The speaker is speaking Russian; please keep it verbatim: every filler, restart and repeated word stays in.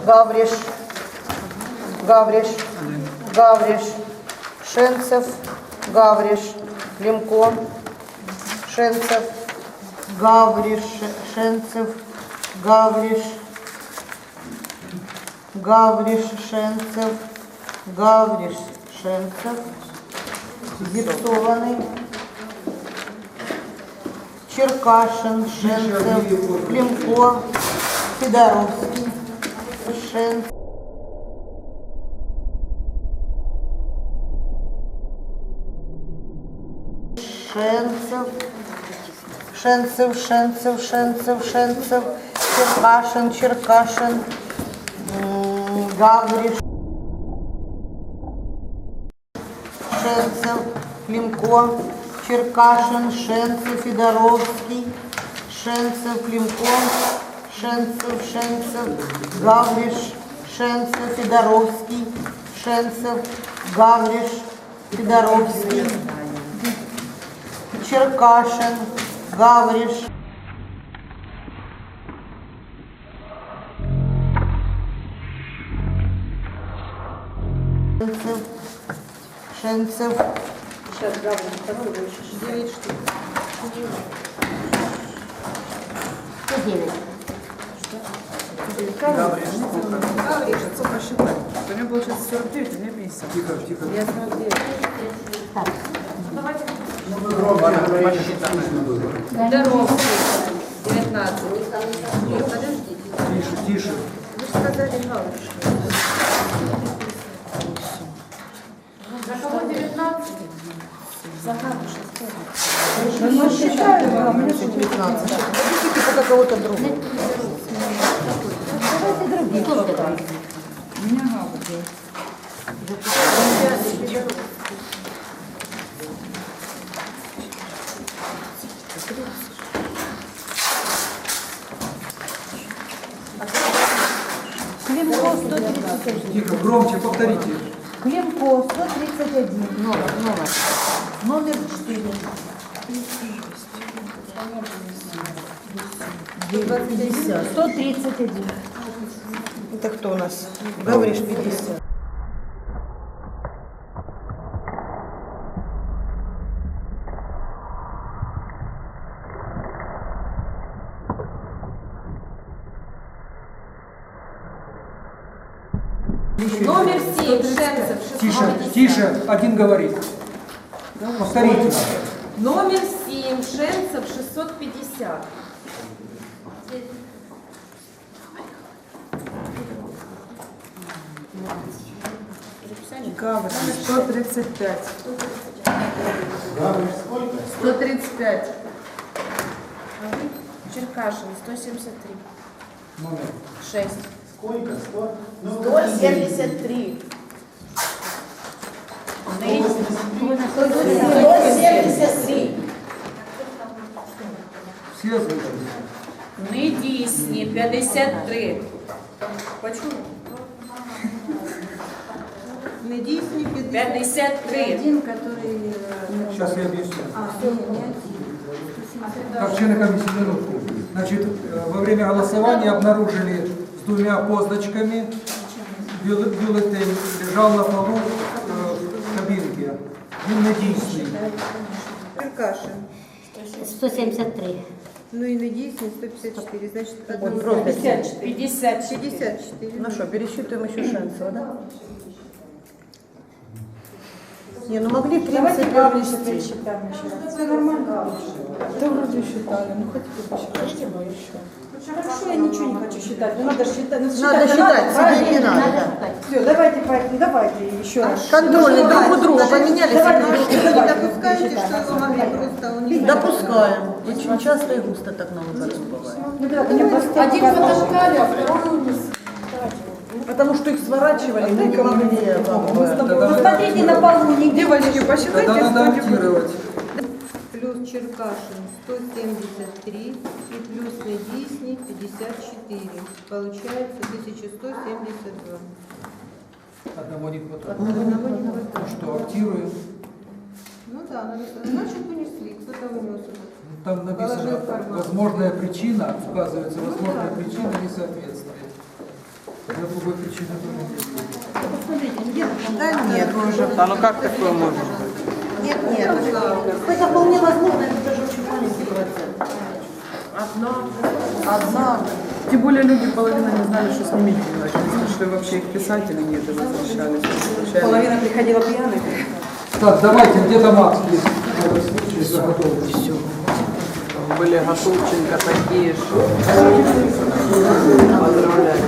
Гавриш, Гавриш, Гавриш, Шенцев, Гавриш, Климко, Шенцев, Гавриш, Шенцев, Гавриш, Гавриш, Шенцев, Гавриш, Шенцев, Гипсованный, Черкашин, Шенцев, Климко, Федоровский, Шенцев, Шенцев, Шенцев, Шенцев, Шенцев, Шенцев, Черкашин, Черкашин, Гавриш, Шенцев, Климко, Черкашин, Шенцев, Федоровский, Шенцев, Климко, Шенцев, Шенцев, Гавриш, Шенцев, Федоровский, Шенцев, Гавриш, Федоровский, Черкашин, Гавриш, Шенцев, Шенцев, Сейчас Гавриш, попробуй еще. девять штук. Что девять? Гавриш. Гавриш, сколько считать? У меня получается сорок девять, у меня пятьдесят. Тихо, тихо. Я сорок девять. Так. Здоровский. девятнадцать. Подождите. Тише, тише. Вы же сказали Гавриш. За кого девятнадцать? За Гавриша. Ну, я считаю, а мне девятнадцать. Подождите, пока кого-то другого. Давайте другие. Кто же это? У меня Гавриш. Климко сто тридцать один. Тихо, громче повторите. Климко сто тридцать один. Номер, номер. Номер четыре. сто тридцать один. Это кто у нас? Гавриш пятьдесят. Номер семь. Шенцев. Тише, тише, один говорит. Повторите. Номер семь. Шенцев шестьсот пятьдесят. Гавриш, сто тридцать пять. сто тридцать пять. Черкашин сто семьдесят три. Номер. шесть. сто семьдесят три. сто семьдесят три. Все озвучили. Недійсні п'ятдесят три. Почему? Недійсні п'ятдесят три. Один, который... Сейчас я объясню. А, не один. Так, члены комиссии, минутку. Значит, э, во время голосования обнаружили с двумя позначками. Бюлле- Бюллетень лежал на полу э, в кабинке. Он недействительный. Черкашин. сто семьдесят три. Ну и недійсні сто пятьдесят четыре. Значит, одно. пятьдесят четыре. пятьдесят четыре. пятьдесят четыре. Ну что, пересчитываем еще Шенцева, да? Не, ну могли в принципе Гавриша ввести. пересчитаем еще раз. Все нормально. Да вроде считали, ну хотите посчитайте бы еще. Хорошо, я ничего не хочу считать, но надо считать. Ну, Надо считать, себе не надо. Да. Все, давайте, поэтому, давайте еще раз. Контрольный друг у друга поменялись. Давайте, игрушки. давайте, Вы не давайте, допускаете, давайте, что вы могли давайте. просто у них... Допускаем. Очень часто и густо так на выборах бывает. Ну, давайте, мне просто Один фотошкаф, а второй вниз. Потому что их сворачивали, мы не могли. Ну, смотрите на полу, нигде. Девочки, Тогда посчитайте, надо актировать. плюс Черкашин сто семьдесят три и плюс Недийсний пятьдесят четыре. Получается тысяча сто семьдесят два. Одного не хватает. Одного не хватает. Ну что, актируем. Ну да, надо, значит вынесли, кто-то вынес. Ну, Там написано, Положил в карман. возможная причина, указывается возможная причина несоответствия. другой причины нет. Да нет, уже. Да ну как такое может быть? Нет, нет. Это вполне возможно, это даже очень маленький процент. Одна. Одна. Тем более люди половина не знали, что с ними делать. Они слышали вообще их писать или нет, и возвращались. Возвращались. Половина приходила пьяных. Так, давайте, где-то Макс есть. В этом случае заготовлен. Все. Были Гатулченко такие, что поздравляю.